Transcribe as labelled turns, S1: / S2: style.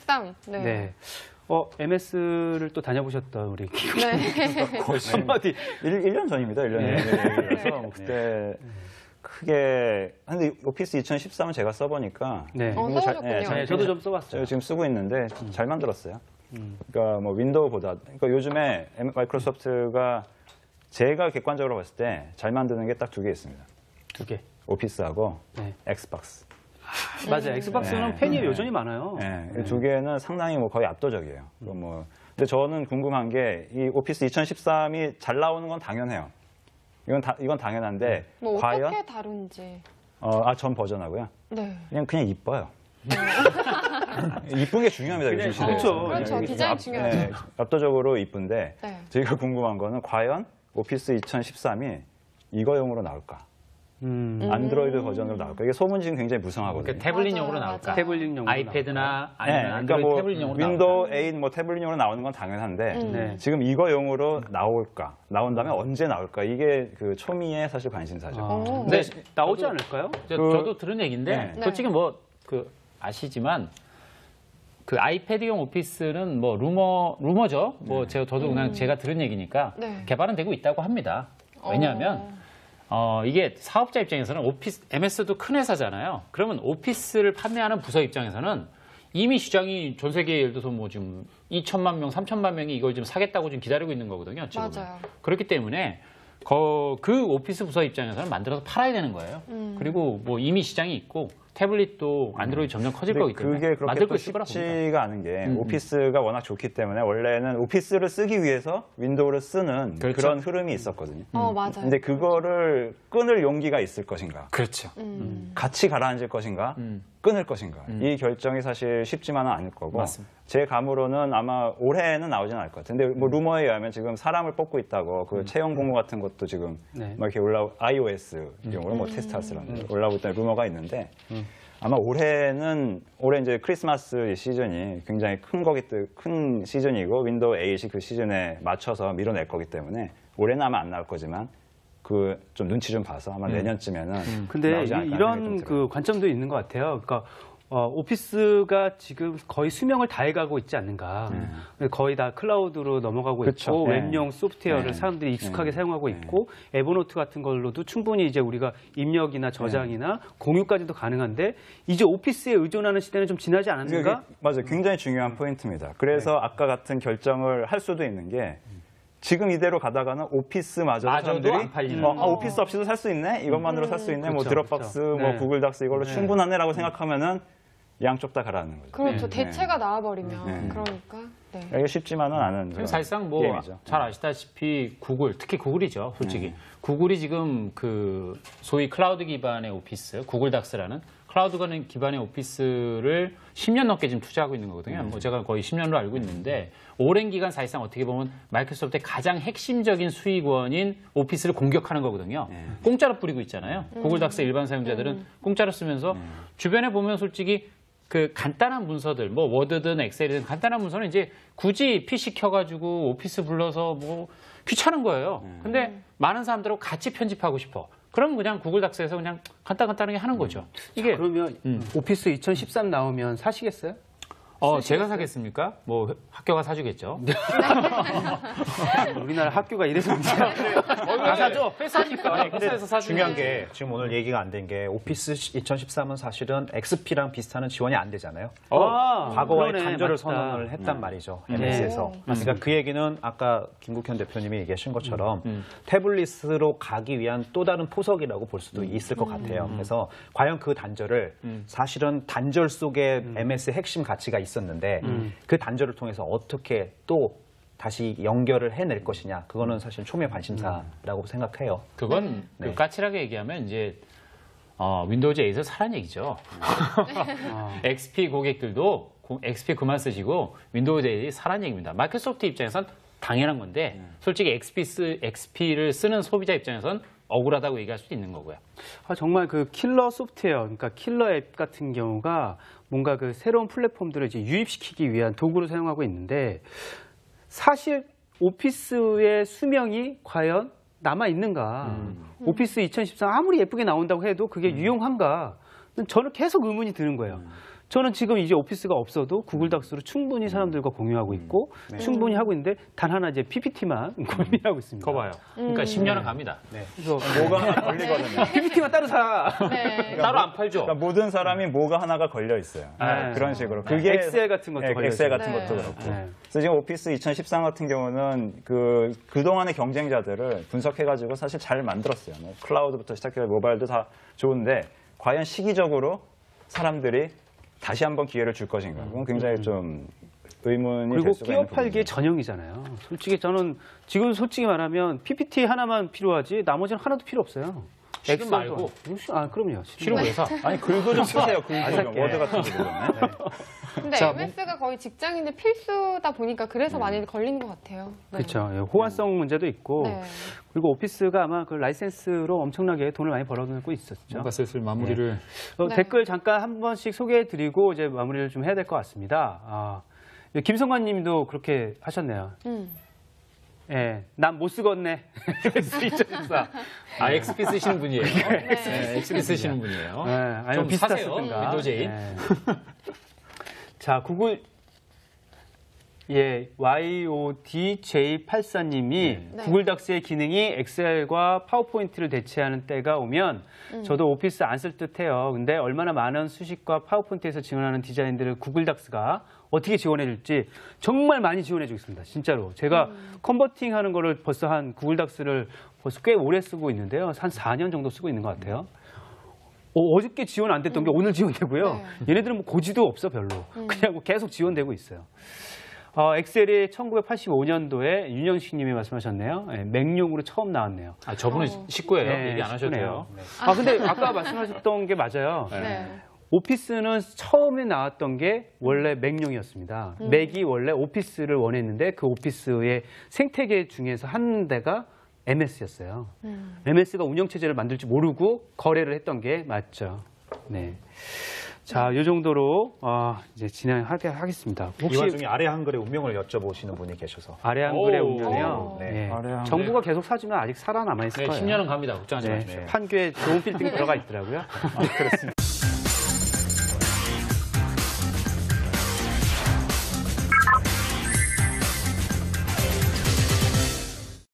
S1: 13. 네.
S2: 네. MS를 또 다녀보셨던 우리
S1: 네.
S3: 거의 한마디 1년 전입니다. 1년 전이라서 뭐 그때 크게 근데 오피스 2013은 제가 써보니까
S2: 네.
S1: 써보셨군요.
S2: 저도 좀 써봤어요.
S3: 제가 지금 쓰고 있는데 잘 만들었어요. 그러니까 뭐 윈도우보다 그러니까 요즘에 마이크로소프트가 제가 객관적으로 봤을 때 잘 만드는 게 딱 두 개 있습니다.
S2: 두 개.
S3: 오피스하고
S2: 네.
S3: 엑스박스.
S2: 맞아요. 엑스박스는 팬이 여전히 많아요.
S3: 네. 두 개는 상당히 뭐 거의 압도적이에요. 근데 저는 궁금한 게 이 오피스 2013이 잘 나오는 건 당연해요. 이건 당연한데
S1: 뭐
S3: 과연
S1: 어떻게 다룬지.
S3: 전 버전하고요.
S1: 네.
S3: 그냥 이뻐요. 이쁜 게 중요합니다. 요즘 시대에.
S1: 그렇죠. 디자인 중요하죠.
S3: 네, 압도적으로 이쁜데
S1: 네.
S3: 저희가 궁금한 거는 과연 오피스 2013이 이거용으로 나올까? 안드로이드 버전으로 나올까? 이게 소문 지금 굉장히 무성하거든요.
S4: 그러니까 태블릿용으로 나올까?
S2: 태블릿용으로
S4: 아이패드나 아니면
S3: 네,
S4: 안드로이드
S3: 그러니까
S4: 태블릿용으로
S3: 윈도우 8 뭐 태블릿용으로 나오는 건 당연한데
S2: 네.
S3: 지금 이거용으로 나올까? 나온다면 언제 나올까? 이게 그 초미의 사실 관심사죠.
S2: 근데 나오지 않을까요?
S4: 저도 들은 얘기인데
S1: 네.
S4: 솔직히 뭐 아시지만 그 아이패드용 오피스는 뭐 루머죠. 뭐 저도 그냥 제가 들은 얘기니까
S1: 네.
S4: 개발은 되고 있다고 합니다. 왜냐하면 이게 사업자 입장에서는 MS도 큰 회사잖아요. 그러면 오피스를 판매하는 부서 입장에서는 이미 시장이 전 세계에 예를 들어서 뭐 지금 2천만 명, 3천만 명이 이걸 지금 사겠다고 지금 기다리고 있는 거거든요. 지금은.
S1: 맞아요.
S4: 그렇기 때문에 그 오피스 부서 입장에서는 만들어서 팔아야 되는 거예요. 그리고 뭐 이미 시장이 있고 태블릿도 안드로이드 점점 커질 거기 때문에
S3: 그게
S4: 만들
S3: 그렇게
S4: 거 있을 거라고 봅니다.
S3: 쉽지가 않은 게 오피스가 워낙 좋기 때문에 원래는 오피스를 쓰기 위해서 윈도우를 쓰는
S4: 그렇죠.
S3: 그런 흐름이 있었거든요.
S1: 맞아요.
S3: 근데 그거를 끊을 용기가 있을 것인가?
S4: 그렇죠.
S3: 같이 가라앉을 것인가? 끊을 것인가? 이 결정이 사실 쉽지만은 않을 거고
S4: 맞습니다.
S3: 제 감으로는 아마 올해는 나오진 않을 것 같아요. 근데 뭐 루머에 의하면 지금 사람을 뽑고 있다고 그 채용 공고 같은 것도 지금
S2: 네.
S3: 막 이렇게 iOS 용으로 뭐 테스트하시라는 올라오고 있다는 루머가 있는데 아마 올해 이제 크리스마스 시즌이 굉장히 큰 시즌이고 윈도우 8이 그 시즌에 맞춰서 밀어낼 거기 때문에 올해는 아마 안 나올 거지만 그 좀 눈치 좀 봐서 아마 내년쯤에는
S2: 근데
S3: 나오지 않을까
S2: 이런
S3: 생각이 좀 들어요.
S2: 그 관점도 있는 것 같아요. 그러니까 오피스가 지금 거의 수명을 다해가고 있지 않는가. 거의 다 클라우드로 넘어가고
S3: 그쵸.
S2: 있고
S3: 네.
S2: 웹용 소프트웨어를
S3: 네.
S2: 사람들이 익숙하게 사용하고 있고 에버노트 같은 걸로도 충분히 이제 우리가 입력이나 저장이나 공유까지도 가능한데 이제 오피스에 의존하는 시대는 좀 지나지 않았는가?
S3: 맞아요. 굉장히 중요한 포인트입니다. 그래서 아까 같은 결정을 할 수도 있는 게 지금 이대로 가다가는 오피스마저도 사람들이
S4: 안 팔리는.
S3: 오피스 없이도 살 수 있네? 이것만으로 살 수 있네? 뭐
S2: 그렇죠,
S3: 드롭박스,
S2: 그렇죠.
S3: 뭐
S2: 네.
S3: 구글 닥스 이걸로 충분하네라고 생각하면은 양쪽 다 가라앉는 거죠.
S1: 그렇죠.
S3: 네.
S1: 대체가 나와버리면 그러니까. 네.
S3: 이게 쉽지만은 않은 그런
S4: 사실상 뭐
S3: 게임이죠.
S4: 잘 아시다시피 구글, 특히 구글이죠, 솔직히. 구글이 지금 그 소위 클라우드 기반의 오피스, 구글 닥스라는 클라우드 기반의 오피스를 10년 넘게 지금 투자하고 있는 거거든요. 뭐 제가 거의 10년으로 알고 있는데 오랜 기간 사실상 어떻게 보면 마이크로소프트의 가장 핵심적인 수익원인 오피스를 공격하는 거거든요. 공짜로 뿌리고 있잖아요. 구글 닥스 일반 사용자들은 공짜로 쓰면서 주변에 보면 솔직히 그 간단한 문서들, 뭐 워드든 엑셀이든 간단한 문서는 이제 굳이 PC 켜가지고 오피스 불러서 뭐 귀찮은 거예요. 근데 많은 사람들하고 같이 편집하고 싶어. 그럼 그냥 구글 닥스에서 그냥 간단하게 하는 거죠. 이게
S2: 그러면 오피스 2013 나오면 사시겠어요?
S4: 제가 사겠습니까? 뭐 학교가 사주겠죠.
S2: 우리나라 학교가 이래서 문제야.
S4: 다 사죠. 회사니까. 회사에서 사주는
S5: 중요한 게 지금 오늘 얘기가 안 된 게 오피스 2013은 사실은 XP랑 비슷한 지원이 안 되잖아요. 과거와의
S2: 그러네,
S5: 단절을
S2: 맞다.
S5: 선언을 했단 말이죠. MS에서. 그러니까 그 얘기는 아까 김국현 대표님이 얘기하신 것처럼 태블릿으로 가기 위한 또 다른 포석이라고 볼 수도 있을 것 같아요. 그래서 과연 그 단절을 사실은 단절 속에 MS의 핵심 가치가 있었는데 그 단절을 통해서 어떻게 또 다시 연결을 해낼 것이냐. 그거는 사실 초미의 관심사라고 생각해요.
S4: 그건 그 까칠하게 얘기하면 이제 윈도우즈 8을 사란 얘기죠. XP 고객들도 XP 그만 쓰시고 윈도우즈 8이 사란 얘기입니다. 마이크로소프트 입장에선 당연한 건데 솔직히 XP를 쓰는 소비자 입장에선 억울하다고 얘기할 수도 있는 거고요.
S2: 정말 그 킬러 소프트웨어, 그러니까 킬러 앱 같은 경우가 뭔가 그 새로운 플랫폼들을 이제 유입시키기 위한 도구로 사용하고 있는데 사실 오피스의 수명이 과연 남아 있는가? 오피스 2013 아무리 예쁘게 나온다고 해도 그게 유용한가? 저는 계속 의문이 드는 거예요. 저는 지금 이제 오피스가 없어도 구글 닥스로 충분히 사람들과 공유하고 있고 충분히 하고 있는데 단 하나 이제 PPT만 고민하고 있습니다.
S4: 거 봐요. 그러니까 10년은 갑니다.
S2: 그래서
S3: 뭐가 하나 걸리거든요.
S2: PPT만 따로 사.
S1: 네.
S4: 따로 안 팔죠.
S3: 그러니까 모든 사람이 뭐가 하나가 걸려 있어요.
S2: 네.
S3: 그런 식으로. 그게
S2: 엑셀 같은 것도 걸려
S3: 엑셀
S2: 있어요.
S3: 같은
S1: 네.
S3: 것도 그렇고.
S2: 네.
S3: 그래서 지금 오피스 2013 같은 경우는 그동안의 경쟁자들을 분석해가지고 사실 잘 만들었어요. 뭐 클라우드부터 시작해서 모바일도 다 좋은데 과연 시기적으로 사람들이 다시 한번 기회를 줄 것인가. 그건 굉장히 좀 의문이
S2: 그리고
S3: 될 수가
S2: 끼어
S3: 있는
S2: 팔기의
S3: 부분이죠.
S2: 전형이잖아요. 솔직히 저는 지금 솔직히 말하면 PPT 하나만 필요하지 나머지는 하나도 필요 없어요.
S4: 실은
S2: 엑셀도
S4: 말고.
S2: 아 그럼요.
S4: 실은 왜 사?
S3: 아니 글도 좀 쓰세요. 글도 좀
S2: 살게.
S3: 워드 같은 거 좀.
S1: 근데
S2: 자,
S1: MS가 거의 직장인들 필수다 보니까 그래서 많이 걸리는 것 같아요. 네.
S2: 그렇죠. 예, 호환성 문제도 있고
S1: 네.
S2: 그리고 오피스가 아마 그 라이센스로 엄청나게 돈을 많이 벌어들고 있었죠.
S4: 뭔가 슬슬 마무리를.
S1: 네.
S2: 댓글 잠깐 한 번씩 소개해드리고 이제 마무리를 좀 해야 될 것 같습니다. 김성관님도 그렇게 하셨네요. 예, 난 못 쓰겠네. S2014.
S4: 아, XP 쓰시는 분이에요. 네, XP 쓰시는 분이에요.
S2: 네, 아니면
S4: 좀
S2: 비스타
S4: 사세요,
S2: 쓰든가.
S4: 윈도우 8.
S2: 네. 자, 구글 YODJ84님이
S1: 네.
S2: 구글 닥스의 기능이 엑셀과 파워포인트를 대체하는 때가 오면 저도 오피스 안 쓸 듯해요. 근데 얼마나 많은 수식과 파워포인트에서 지원하는 디자인들을 구글 닥스가 어떻게 지원해 줄지 정말 많이 지원해 주겠습니다. 진짜로. 제가 컨버팅 하는 거를 벌써 한 구글 닥스를 벌써 꽤 오래 쓰고 있는데요. 한 4년 정도 쓰고 있는 것 같아요. 어저께 지원 안 됐던 게 오늘 지원되고요. 얘네들은 뭐 고지도 없어 별로. 그냥 뭐 계속 지원되고 있어요. 엑셀이 1985년도에 윤영식 님이 말씀하셨네요. 네, 맥용으로 처음 나왔네요.
S4: 아, 저분은 식구예요.
S2: 네,
S4: 얘기 안 하셔도 돼요.
S2: 식구네요. 근데 아까 말씀하셨던 게 맞아요.
S1: 네.
S2: 오피스는 처음에 나왔던 게 원래 맥용이었습니다. 맥이 원래 오피스를 원했는데 그 오피스의 생태계 중에서 한 대가 MS였어요. MS가 운영체제를 만들지 모르고 거래를 했던 게 맞죠. 네. 자, 이 정도로 이제 진행하겠습니다.
S5: 이
S2: 혹시
S5: 와중에 아래 한글의 운명을 여쭤보시는 분이 계셔서.
S2: 아래 한글의
S4: 오.
S2: 운명이요?
S5: 네.
S2: 네.
S3: 아래 한글.
S2: 정부가 계속 사주면 아직 살아남아 있을
S4: 네,
S2: 거예요.
S4: 10년은 갑니다. 걱정하지
S2: 네.
S4: 마십시오.
S2: 판교에 좋은 빌딩이 들어가 있더라고요.
S3: 그렇습니다.